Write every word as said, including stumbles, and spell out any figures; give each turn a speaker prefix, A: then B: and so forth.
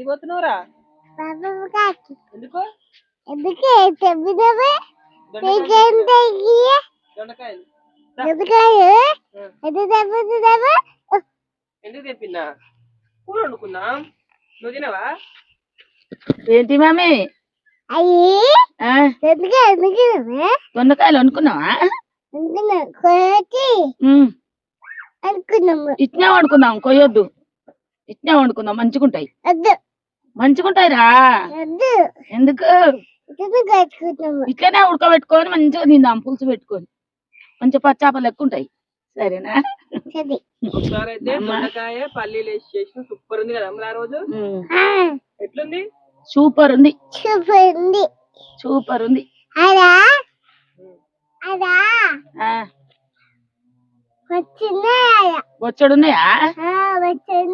A: ఎందుకు పోతున్నావురా? ఎందుకు?
B: ఎందుకే చెప్పినవే
A: దొండకాయలు ఎందుకు తెప్పినా? కూర వండుకుందాం. నువ్వు తినవా?
C: ఏంటి మామి?
B: అయ్యి
C: దొండకాయలు అనుకున్నావా?
B: అనుకున్నాము
C: ఇట్నే వండుకుందాం, కొయ్యొద్దు. ఇట్నే వండుకుందాం, మంచిగుంటాయి.
B: వద్దు
C: మంచిగుంటాయి రా.
B: వద్దు
C: ఎందుకు?
B: కట్టుకుంటాము
C: ఇట్లనే ఉడకబెట్టుకొని మంచిగా తిందాం, పులుసు పెట్టుకొని. మంచి పచ్చాపలు లెక్క ఉంటాయి. సరేనా?
B: సరే
A: ఒకసారి అయితే దొండకాయ పల్లీలు వేసి చేసిన సూపర్ ఉంది కదా అమ్మ. ఆ రోజు ఎట్లుంది?
C: సూపర్ ఉంది,
B: సూపర్ ఉంది
C: సూపర్ ఉంది.
B: అదా అదా
C: ఆ,
B: వచ్చిందా
C: బొచ్చెడున్నాయా?
B: వచ్చింది